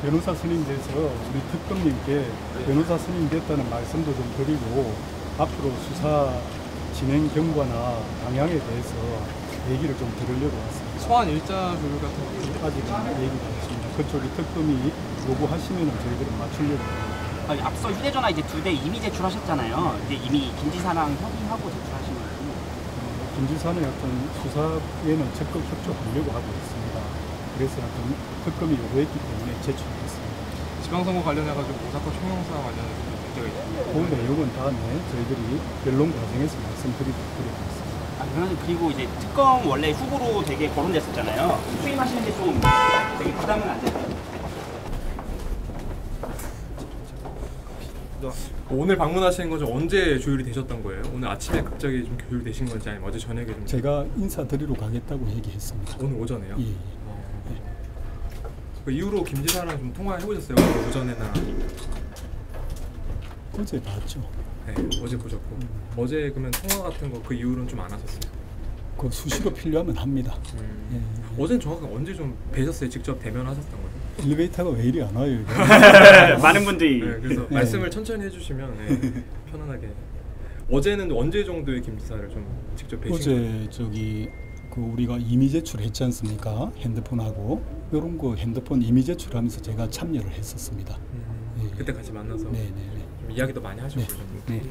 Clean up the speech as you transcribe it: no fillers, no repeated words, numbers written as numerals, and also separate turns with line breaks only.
변호사 선임돼서 우리 특검님께 변호사 선임됐다는 말씀도 좀 드리고 앞으로 수사 진행 경과나 방향에 대해서 얘기를 좀 들으려고 왔습니다.
소환 일자 조율 같은 거
아직은 얘기가 없습니다. 그쪽이 특검이 요구하시면 저희들은 맞추려고 합니다.
앞서 휴대전화 이제 2대 이미 제출하셨잖아요. 이제 이미 김지사랑 협의하고 제출하신 거예요.
김지사는 어떤 수사에는 적극 협조하려고 하고 있습니다. 그래서 어떤 특검이 요구했기 때문에 제출했습니다.
지방선거 관련해가지고 오사카 총영사 관련해서 문제가 있고
그 내용은 다음에 저희들이 변론 과정에서 말씀드리도록 하겠습니다.
그리고 이제 특검 원래 후보로 되게 거론됐었잖아요. 투입하시는데 좀 되게 부담은 안 되나요?
오늘 방문하시는 건 좀 언제 조율이 되셨던 거예요? 오늘 아침에 갑자기 좀 조율되신 건지 아니면 어제 저녁에 좀?
제가 인사드리러 가겠다고 얘기했습니다.
오늘 오전에요?
예.
그 이후로 김 지사랑 좀 통화해보셨어요? 오늘 오전에나?
어제 봤죠.
네, 어제 보셨고 어제 그러면 통화 같은 거 그 이후로는 좀 안 하셨어요?
그 수시로 필요하면 합니다. 예.
어제는 정확하게 언제 좀 뵈셨어요? 직접 대면하셨던 거예요?
엘리베이터가 왜 이리 안 와요? 이게?
많은 분들이
네, 그래서 말씀을 천천히 해주시면 편안하게. 어제는 언제 정도의 김 지사를 좀 직접 뵈신 거예요?
어제 저기 그 우리가 이미 제출했지 않습니까? 핸드폰하고 이런 거 핸드폰 이미 제출하면서 제가 참여를 했었습니다.
그때 같이 만나서
네네네.
좀 이야기도 많이 하시고
네.
그러셨는데
네.